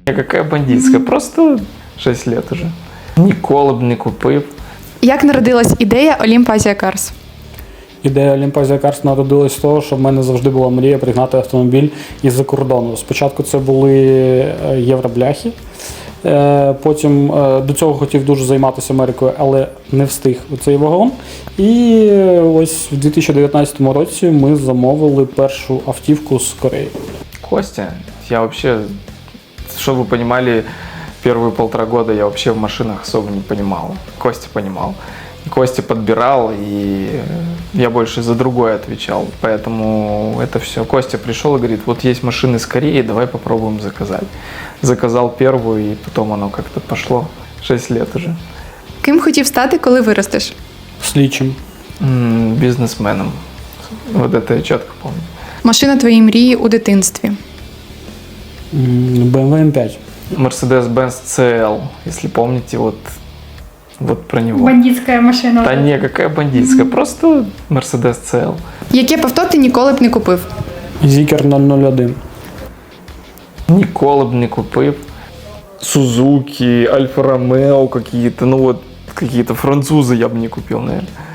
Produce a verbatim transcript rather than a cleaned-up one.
Какая бандитская, просто шесть лет уже. Ніколи б не купив. Як народилась ідея Олімп Азія Карс? Ідея Олімпазія Карс народилась з того, що в мене завжди була мрія пригнати автомобіль із-за кордону. Спочатку це були євробляхи, потім до цього хотів дуже займатися Америкою, але не встиг у цей вагон. І ось в дві тисячі дев'ятнадцятому році ми замовили першу автівку з Кореї. Костя, я вообще, чтобы вы понимали, первые полтора года я вообще в машинах особо не понимал. Костя понимал. Костя подбирал, и я больше за другое отвечал. Поэтому это все. Костя пришел и говорит, вот есть машины с Кореи, давай попробуем заказать. Заказал первую, и потом оно как-то пошло. Шесть лет уже. Ким хотів стати, коли виростеш? Слідчим. М-м, бизнесменом. Вот это я четко помню. Машина твоєї мрії у дитинстві? бэ эм вэ эм пять. Mercedes-Benz си ел, если помните, вот, вот про него. Бандитская машина. Да не, какая бандитская, просто Mercedes си ел. Яке б авто ти ніколи б не купив? Зікер нуль нуль один. Ніколи б не купив. Сузуки, Альфа Ромео какие-то, ну вот какие-то французы я бы не купил, наверное.